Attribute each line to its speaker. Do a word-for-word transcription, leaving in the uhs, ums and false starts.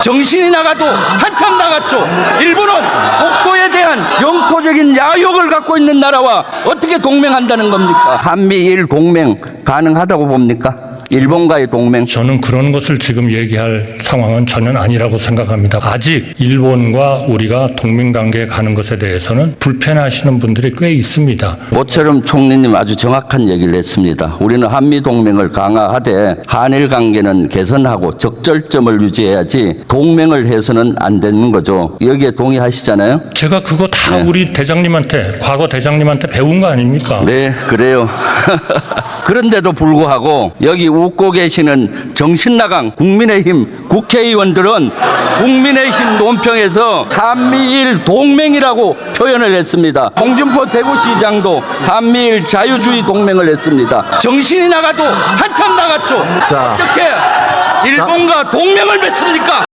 Speaker 1: 정신이 나가도 한참 나갔죠. 일본은 독도에 대한 영토적인 야욕을 갖고 있는 나라와 어떻게 동맹한다는 겁니까? 한미일 동맹 가능하다고 봅니까? 일본과의 동맹.
Speaker 2: 저는 그런 것을 지금 얘기할 상황은 전혀 아니라고 생각합니다. 아직 일본과 우리가 동맹 관계에 가는 것에 대해서는 불편해하시는 분들이 꽤 있습니다.
Speaker 1: 모처럼 총리님 아주 정확한 얘기를 했습니다. 우리는 한미 동맹을 강화하되 한일 관계는 개선하고 적절점을 유지해야지 동맹을 해서는 안 되는 거죠. 여기에 동의하시잖아요?
Speaker 2: 제가 그거 다
Speaker 1: 네.
Speaker 2: 우리 대장님한테, 과거 대장님한테 배운 거 아닙니까?
Speaker 1: 네, 그래요. 그런데도 불구하고 여기 웃고 계시는 정신나간 국민의힘 국회의원들은 국민의힘 논평에서 한미일 동맹이라고 표현을 했습니다. 홍준표 대구시장도 한미일 자유주의 동맹을 했습니다. 정신이 나가도 한참 나갔죠.
Speaker 3: 자.
Speaker 1: 어떻게 일본과 동맹을 맺습니까?